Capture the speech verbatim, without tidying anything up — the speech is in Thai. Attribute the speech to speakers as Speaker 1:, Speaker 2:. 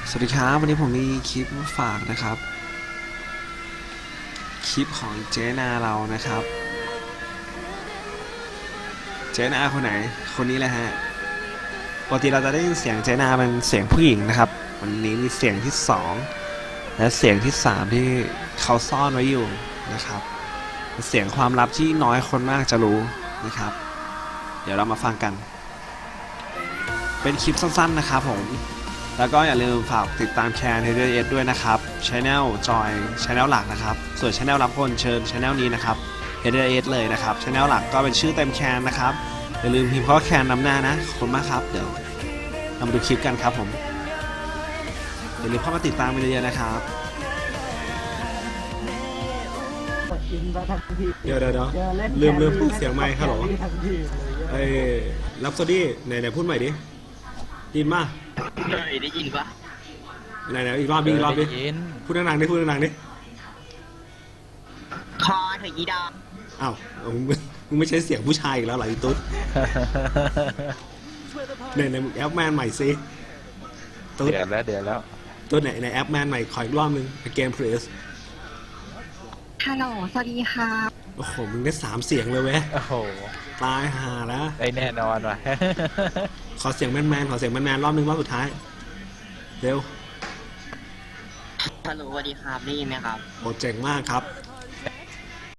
Speaker 1: สวัสดีครับวันนี้ผมมีคลิปมาฝากนะครับคลิปของเจนาเรานะครับเจนาคนไหนคนนี้แหละฮะปกติเราจะได้ยินเสียงเจนาเป็นเสียงผู้หญิงนะครับวันนี้มีเสียงที่สองและเสียงที่สามที่เขาซ่อนไว้อยู่นะครับเป็นเสียงความลับที่น้อยคนมากจะรู้นะครับเดี๋ยวเรามาฟังกันเป็นคลิปสั้นๆนะครับผมแล้วก็อย่าลืมฝากติดตามแคน เอ ดี เอส ด้วยนะครับ Channel จอย Channel หลักนะครับส่วน Channel รับคนเชิญ Channel นี้นะครับ เอ ดี เอส เลยนะครับ Channel หลักก็เป็นชื่อเต็มแคนนะครับอย่าลืมพิมพ์ข้อแคนนำหน้านะขอบคุณมากครับเดี๋ยวเรามาดูคลิปกันครับผมอย่าลืมเข้ามาติดตามไปเรื่อยๆนะครับเดี๋ยวเดี๋ยวลืมลืมพูดเสียงไมค์ครับหรอไอ้ลับซอดี้ไหนไหนพูดใหม่ดิยินมา
Speaker 2: เฮ้ยได้ยินปะ
Speaker 1: ไหนไหนอีกรอบดิอีกรอบดิพูดดังๆดิพูดดังๆดิ
Speaker 2: คอเถอะยีดอม
Speaker 1: อ้าวมึงมึงไม่ใช่เสียงผู้ชายอีกแล้วเหรออีตุ๊ดในในแอปแมนใหม่ซิตุ๊ด
Speaker 3: เดี๋ยวแล้วเดี๋ยวแล้ว
Speaker 1: ตัวไหนในแอปแมนใหม่ขออีกรอบนึงเกมเพรส
Speaker 4: ฮัลโหลสวัสดีค่ะ
Speaker 1: โอ้โหมึงได้สามเสียงเลยเว้ย
Speaker 3: โอ้โห
Speaker 1: ตายห่าแล้ว
Speaker 3: ได้แน่นอนว่ะ
Speaker 1: ขอเสียงแมนแมนขอเสียงแมนแมนรอบนึงรอบสุดท้ายเร็ว
Speaker 2: ฮัลโหลสวัสดีครับได้ยินไหมครับ
Speaker 1: โอ้เจ๋งมากครับ